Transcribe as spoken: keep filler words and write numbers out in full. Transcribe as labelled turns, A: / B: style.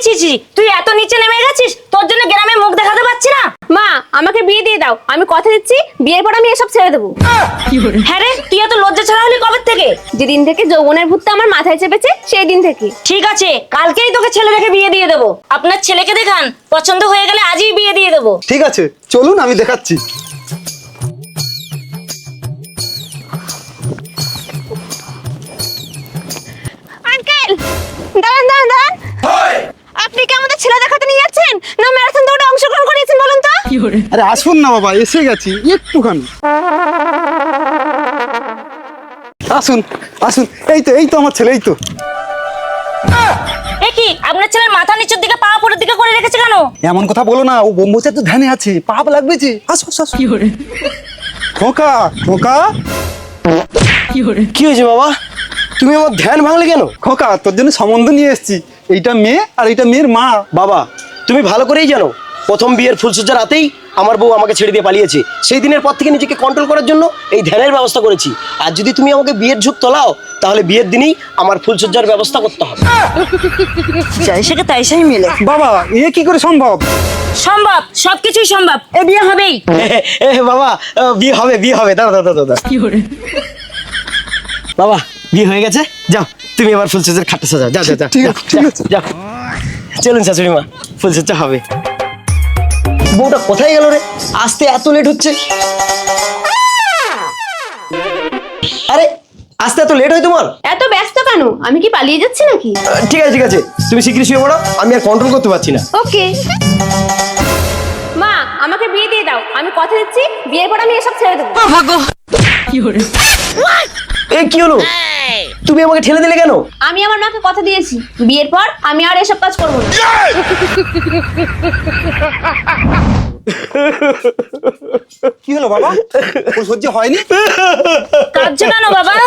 A: ছি ছি, তুই এত নিচে নেমে গেছিস, তোর জন্য গ্রামে মুখ দেখাতে পাচ্ছি না।
B: মা আমাকে বিয়ে দিয়ে দাও, আমি কথা দিচ্ছি বিয়ের পর আমি এসব ছেড়ে দেবো।
A: হ্যাঁ রে, তুই এত লজ্জা ছাড়া হলি কবে থেকে?
B: যেদিন থেকে যৌবনের ভূতটা আমার মাথায় চেপেছে সেই দিন থেকে।
A: ঠিক আছে, কালকেই তোকে ছেলে দেখে বিয়ে দিয়ে দেবো। আপনার ছেলেকে দেখান, পছন্দ হয়ে গেলে আজই বিয়ে দিয়ে দেবো।
C: ঠিক আছে, চলুন আমি দেখাচ্ছি।
B: আঙ্কেল দাঁড়ান দাঁড়ান দাঁড়ান, আপনি কি আমাদের ছেলে দেখাতে নিয়ে যাচ্ছেন না ম্যারাথন দৌড়ে অংশগ্রহণ করিয়েছেন বলুন তো?
C: আরে আসুন না বাবা, এসে গেছি একটুখানি। আসুন আসুন, এই তো এই তো আমার ছেলে, এই তো।
A: এ কি, আপনার ছেলের মাথা নিচের দিকে পা উপরের দিকে করে রেখেছে কেন?
C: এমন কথা বলো না, ও ব্রহ্মচার্য ধ্যানে আছে, পাপ লাগবে যে। আসো আসো আসো। খোকা খোকা,
D: কি হয়েছে বাবা? তুমি আমার ধ্যান ভাঙলে কেন?
C: খোকা তোর জন্য সম্বন্ধ নিয়ে এসেছি। এইটা মেয়ে আর এইটা মেয়ের মা।
D: বাবা তুমি ভালো করেই জানো, প্রথম বিয়ের ফুলসজ্জার রাতেই আমার বউ আমাকে ছেড়ে দিয়ে পালিয়েছে। সেই দিনের পর থেকে নিজেকে কন্ট্রোল করার জন্য এই ধ্যানের ব্যবস্থা করেছি। আর যদি তুমি আমাকে বিয়ের ঝুঁক তোলাও, তাহলে বিয়ের দিনই আমার ফুলসজ্জার ব্যবস্থা করতে হবে।
A: যাই সেকে তাই সেই মেলে।
C: বাবা এ কি করে সম্ভব?
A: সম্ভব, সবকিছুই সম্ভব, এ বিয়ে হবেই।
D: এ বাবা, আহ, বিয়ে হবে বিয়ে হবে দাদা দাদা দাদা বাবা বিয়ে হয়ে গেছে, যাও তুমি এবার ফুলসজ্জার খাটটা সাজাও। যাও যাও যাও,
C: ঠিক আছে, ঠিক আছে।
D: যাও চলুন শাশুড়ি মা, ফুলসজ্জা হবে। বউটা কোথায় গেল রে? আসতে এত লেট হচ্ছে। আরে আসতে এত লেট হয় তোমার?
B: এত ব্যস্ত কেন? আমি কি পালিয়ে যাচ্ছি নাকি?
D: আহ, ঠিক আছে ঠিক আছে, তুমি শিগগিরই শুয়ে পড়ো, আমি আর কন্ট্রোল করতে পারছি না।
B: ওকে মা আমাকে বিয়ে দিয়ে দাও, আমি কথা দিচ্ছি বিয়ের পর আমি এসব ছেড়ে দেবো।
D: এ কি হলো? তুমি আমাকে ঠেলে দিলে কেন?
B: আমি আমার মাকে কথা দিয়েছি বিয়ের পর আমি আর এসব কাজ করবো না।
C: কি হলো বাবা, ওর সহ্য হয়নি?
A: কাঁদছো কেন বাবা?